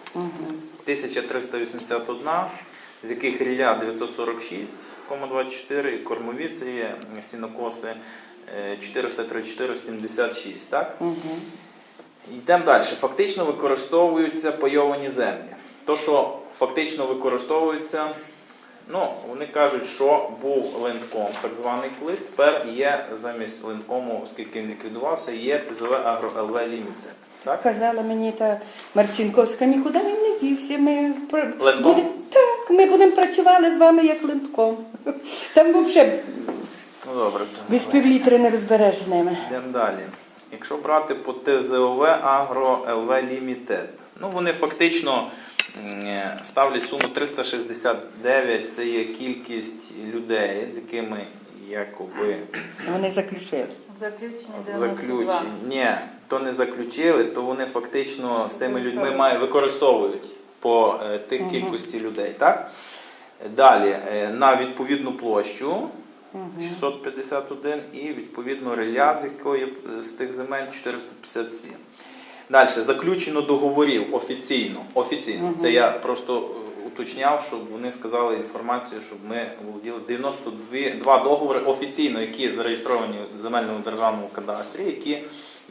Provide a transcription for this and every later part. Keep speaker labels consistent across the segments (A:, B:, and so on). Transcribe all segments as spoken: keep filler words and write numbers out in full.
A: тисяча триста вісімдесят одна, з яких рілля дев'ятсот сорок шість цілих двадцять чотири і кормові це є сінокоси чотириста тридцять чотири цілих сімдесят шість. Так?
B: Угу.
A: Йдемо далі. Фактично використовуються пайовані землі. То, що фактично використовується, ну, вони кажуть, що був линтком, так званий колись, тепер є замість линткому, оскільки він ліквідувався, є ТЗВ Агро ел ве Лімітед. Так?
B: Казала мені та Марчинковська, нікуди він не дівся. Ми
A: Линтком?
B: будем, так, ми будемо працювати з вами як линтком. Там взагалі
A: Ну, добре.
B: без півлітри не розбереш з ними.
A: Йдемо далі. Якщо брати по Т З О В Агро ел ве Лімітед, ну, вони фактично ставлять суму триста шістдесят дев'ять, це є кількість людей, з якими якоби
B: Вони заключили.
C: Заключення дев'яносто два.
A: заключені. Ні, то не заключили, то вони фактично з тими людьми мають, використовують по е, тих
B: Угу.
A: кількості людей. Так? Далі, е, на відповідну площу шістсот п'ятдесят один і відповідно рілля, з якої з тих земель чотириста п'ятдесят сім. Далі, заключено договорів офіційно. Офіційно.
B: Угу.
A: Це я просто уточняв, щоб вони сказали інформацію, щоб ми володіли дев'яносто два договори офіційно, які зареєстровані в земельному державному кадастрі, які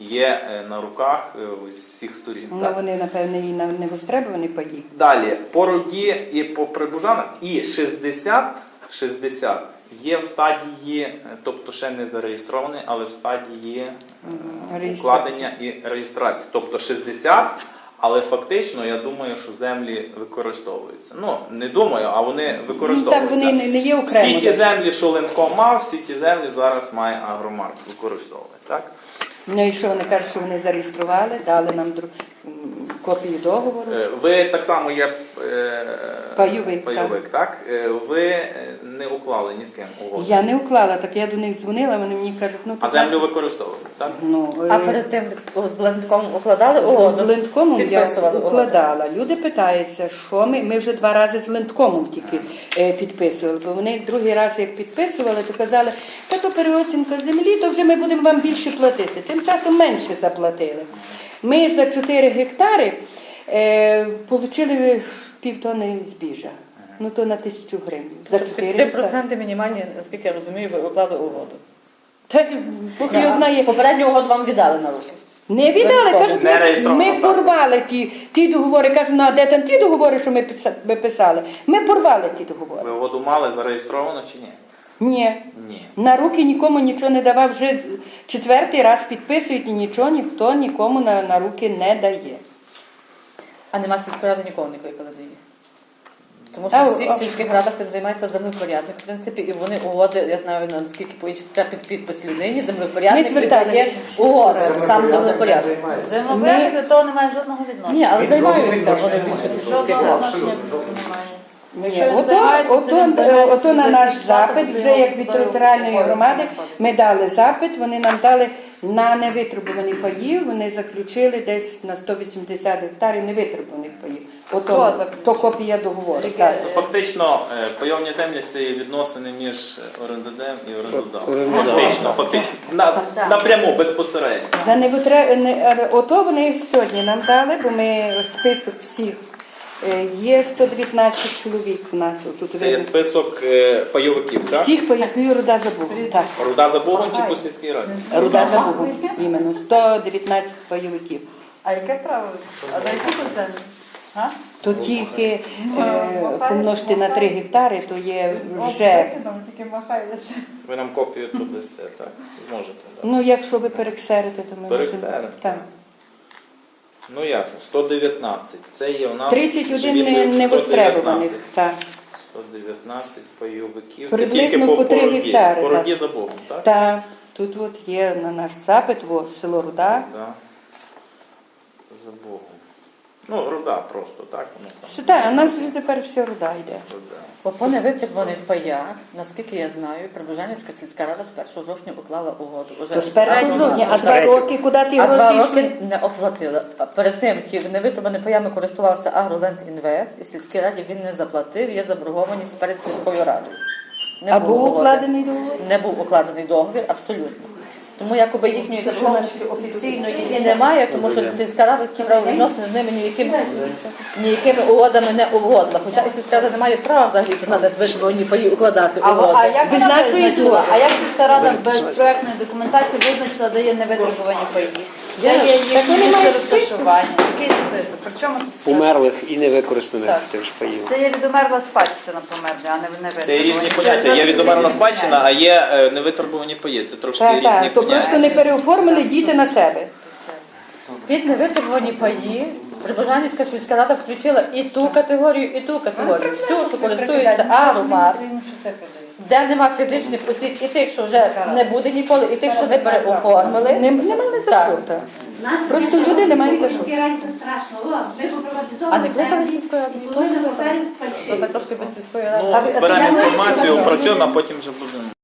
A: є на руках з всіх сторін.
B: Ну, вони, напевне, і не востребовані паї.
A: Далі, по Роді і по Прибужанах, і шістдесят, шістдесят є в стадії, тобто ще не зареєстрований, але в стадії
B: Реєстрації.
A: укладення і реєстрації. Тобто шістдесят, але фактично, я думаю, що землі використовуються. Ну, не думаю, а вони використовуються.
B: Ну, так, вони не є окремо.
A: Всі ті землі, що Линком мав, всі ті землі зараз має Агромарк використовувати. Так?
B: Ну і що вони кажуть, що вони зареєстрували, дали нам друг... копію договору.
A: Е, Ви так само є е,
B: Пайовик,
A: пайовик, так? Е, Ви не уклали ні з ким угоду.
B: Я не уклала, так я до них дзвонила, вони мені кажуть, ну...
A: А
B: то
A: землю
B: значить-
A: використовують, так?
B: Ну,
C: А
B: е,
C: перед тим з линтком укладали
B: з
C: угоду?
B: линткомом я
C: Підписували угоду?
B: укладала. Люди питаються, що ми, ми вже два рази з линткомом тільки е, підписували, бо вони другий раз як підписували, то казали, та то переоцінка землі, то вже ми будемо вам більше платити. Тим часом менше заплатили. Ми за чотири гектари е, отримали півтони збіжа. Ну то на тисячу гривень. За чотири
C: три
B: гектари.
C: проценти мінімальні, наскільки я розумію, ви уклали угоду.
B: Так, Бог його знає.
C: Попередню угоду вам віддали на руки.
B: Не віддали, кажуть,
A: Не
B: ми,
A: реєстровано,
B: ми
A: так.
B: порвали ті, ті договори. Кажуть, ну а де там ті договори, що ми писа- ми писали? Ми порвали ті договори.
A: Ви угоду мали зареєстровано чи ні?
B: Ні.
A: Ні.
B: На руки нікому нічого не давав. Вже четвертий раз підписують і нічого ніхто нікому на, на руки не дає.
C: А нема сільської ради нікого не кликали до її. Тому
B: А,
C: що всі
B: а-
C: в сільських радах цим займається землепорядник, в принципі, і вони угоди, я знаю, наскільки по-іншому під підпис людині, землепорядник
B: Ми зверталися
C: віддає
B: всі
C: угоди, сам
D: Землепорядник
C: землепорядник.
D: не займається.
C: Землепорядник
E: Землепорядник до того немає жодного відношення.
C: Ні, але
D: Він
C: займаються
D: жодного
C: вони
D: відношення
C: більше
D: не має.
C: сільських
E: Жодного
C: рад.
E: відношення
D: Абсолютно.
E: немає.
B: Ні,
E: Якщо він
B: ото,
E: займається
B: ото,
E: цим, займається
B: ото на
E: цим
B: наш
E: захищати,
B: запит,
E: то
B: вже
E: його
B: як від
E: судовий
B: територіальної
E: обов'язок
B: громади,
E: виходить.
B: ми дали запит, вони нам дали на невитребувані паї, вони заключили десь на сто вісімдесят гектарів невитребуваних паїв. Ото,
E: Хто заключив?
B: то копія договору. Так.
A: Ну, фактично, е, пайовні землі це є відносини між орендодем і орендодавцем.
D: Орендодавцем.
A: Фактично, фактично. На, напряму, безпосередньо.
B: За невитре... не- але ото вони сьогодні нам дали, бо ми список всіх. е, Є сто дев'ятнадцять чоловік у нас. Тут
A: Це є
B: видно.
A: список е, пайовиків, так?
B: Всіх паїв Руда за Богом. Так.
A: Руда за Богом чи по сільській раді?
B: Руда за Богом. Іменно. сто дев'ятнадцять пайовиків.
E: А яке право? А за яку землю? А?
B: То тільки е, помножити на три гектари, то є вже.
E: Тільки махай лише.
A: Ви нам копію тут дасте, так? Зможете, так?
B: Ну, якщо ви перексерите, то ми
A: Перексерите.
B: можемо. Так.
A: Ну ясно, сто дев'ятнадцять. Це є у нас
B: тридцять один
A: живі
B: не,
A: пайовики.
B: не
A: сто
B: востребованих.
A: дев'ятнадцять.
B: Так.
A: сто дев'ятнадцять пайовиків. Це
B: Приблизно
A: тільки по,
B: по три
A: по Роді.
B: гектари,
A: По
B: так.
A: Роді за Богом, так?
B: Так. Тут от є на наш запит, о, село Руда.
A: Да. За Богом. Ну, Руда просто, так? Воно там.
B: Все, так, у нас вже тепер все Руда йде.
A: Руда.
C: По невитребуваних паях, наскільки я знаю, Прибужанівська сільська рада з першого жовтня уклала угоду. Уже
B: То з першого
C: з
B: жовтня, а два
D: третього.
B: роки, куди ті
C: А два
B: гроші
C: роки
B: йшли?
C: не оплатили. А перед тим, як невитребуваними паями користувався Агроленд Інвест, і сільській раді він не заплатив, є заборгованість перед сільською радою. Не
B: А
C: було
B: був
C: угоди.
B: укладений договір?
C: Не був укладений договір, абсолютно. Тому якоби їхньої заборгованості офіційної і немає, тому що сільська рада ті правовідносини з ними ніяким, ніякими угодами не угодила. Хоча і сільська рада не має права взагалі на витребувані паї укладати
E: А, а
C: угоди.
E: як
B: Без
E: вона
B: нашої
E: визначила?
B: згоди.
E: А як сільська рада без проектної документації визначила, де є невитребувані паї? Де є їхні
B: вони
E: місце
B: мають
E: розташування? Який список? При чому тут список?
D: Умерлих і невикористаних
E: Так.
D: теж паїв.
E: Це є відомерла спадщина померли, а не невитребувані.
A: Це є різні поняття. Є відомерна спадщина, а є е, невитребувані паї. Це трошки
B: Так,
A: різні
B: так, то
A: поняття.
B: просто не переоформили діти на себе.
C: Під невитребувані паї Прибужанівська сільська рада включила і ту категорію, і ту категорію. Всю, що користується агромар, де нема фізичних осіб, і тих, що вже не буде ніколи, і тих, що не переоформили.
B: Не, не мали за
C: Так.
B: що. Так. Просто люди не мають за що.
C: А не кликали сільської ради? То
F: Коли на папері
C: так трошки без сільської ради.
A: Ну, зберемо інформацію, опрацюємо, а потім вже будемо.